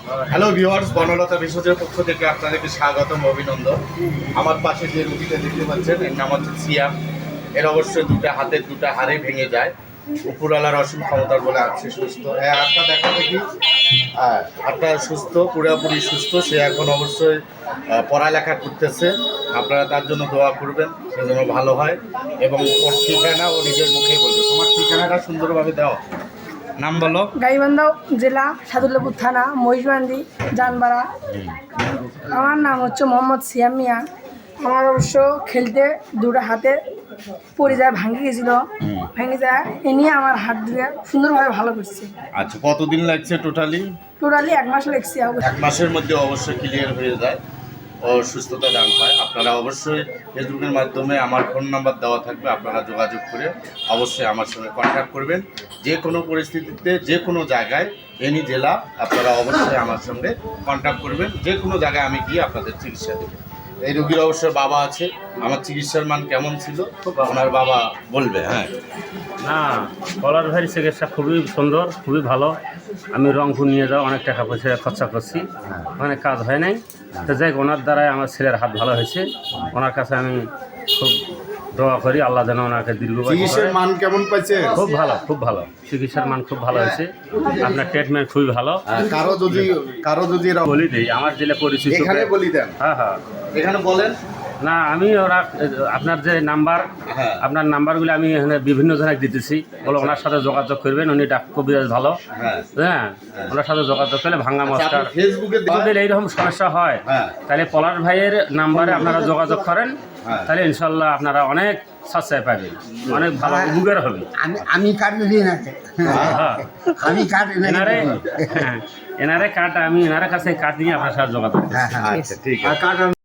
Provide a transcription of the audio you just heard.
Hello viewers, Banalata ভেষজের পক্ষ থেকে আপনাদেরকে স্বাগতম, অভিনন্দন। আমার পাশে যে রুগীটা দেখতে পাচ্ছেন, এর নাম হচ্ছে সিয়াম। এর অবশ্যই হাতের দুটা হাড়ে ভেঙে যায়। উপরওয়ালার অসীম ক্ষমতার বলে আছে সুস্থ। হ্যাঁ, হাতটা দেখা দেখি। হ্যাঁ, হাতটা সুস্থ, পুরোপুরি সুস্থ। সে এখন অবশ্যই পড়ালেখা করতেছে। আপনারা তার জন্য দোয়া করবেন, সে যেন ভালো হয়। এবং ওর ঠিকানা ও নিজের মুখেই বলবে। তোমার ঠিকানাটা সুন্দরভাবে দাও, নাম বলো। গাইবান্ধা জেলা, সাদুল্লাপুর থানা, মহিষবান্দি, জানবাড়া। আমার নাম হচ্ছে মোহাম্মদ সিয়াম মিয়া। আমার অবশ্য খেলতে দুটো হাতে পড়ে যায়, ভাঙে গেছিলো, ভেঙে যায়। এ নিয়ে আমার হাত দিয়ে সুন্দরভাবে ভালো করছে। আচ্ছা, কতদিন লাগছে টোটালি? 1 মাস লেগছে। এক মাসের মধ্যে অবশ্যই ক্লিয়ার হয়ে যায় ও সুস্থতা দান পায়। আপনারা অবশ্যই ফেসবুকের মাধ্যমে আমার ফোন নাম্বার দেওয়া থাকবে, আপনারা যোগাযোগ করে অবশ্যই আমার সঙ্গে কন্ট্যাক্ট করবেন। যে কোনো পরিস্থিতিতে, যে কোনো জায়গায়, এনি জেলা, আপনারা অবশ্যই আমার সঙ্গে কন্ট্যাক্ট করবেন। যে কোনো জায়গায় আমি গিয়ে আপনাদের চিকিৎসা দেব। এই রোগীর অবশ্যই বাবা আছে। আমার চিকিৎসার মান কেমন ছিল ওনার বাবা বলবে। হ্যাঁ, না, পলাশ ভাইয়ের চিকিৎসা খুবই সুন্দর, খুবই ভালো। আমি রংপুর নিয়ে যাওয়া অনেক টাকা পয়সা খরচা করছি, ওখানে কাজ হয় নাই। তো যাই ওনার দ্বারাই আমার ছেলের হাত ভালো হয়েছে। ওনার কাছে আমি খুব দোয়া করি, আল্লাহ যেন ওনাকে দীর্ঘায়ু চিকিৎসার করে। মান কেমন পাইছে? খুব ভালো, খুব ভালো। চিকিৎসার মান খুব ভালো হয়েছে। আপনার ট্রিটমেন্ট খুবই ভালো। কারো যদি বলি দিই, আমার জেলা পরিচিত। এখানে বলি দেন, হ্যাঁ হ্যাঁ, এখানে বলেন। না আমি ওরা আপনার যে নাম্বার, হ্যাঁ। আপনার নাম্বারগুলো আমি এখানে বিভিন্ন জনের দিতেছি, বলে ওনার সাথে যোগাযোগ করবেন। উনি কবিরাজ ভালো। হ্যাঁ। হ্যাঁ, ওনার সাথে যোগাযোগ করলে ভাঙ্গা মস্কার ফেসবুকে যদি এইরকম সমস্যা হয়, হ্যাঁ। তাহলে পলাশ ভাইয়ের নাম্বারে আপনারা যোগাযোগ করেন। হ্যাঁ। তাহলে ইনশাল্লাহ আপনারা অনেক সাশ্রয় পাবেন, অনেক ভালো উপকার হবে। আমি কার্ড দিই না, হ্যাঁ, আমি কার্ড এনারে কার্ড, আমি এনার কাছে কার্ড নিয়ে আপনার সাথে যোগাযোগ করছি। হ্যাঁ হ্যাঁ আচ্ছা, ঠিক আছে।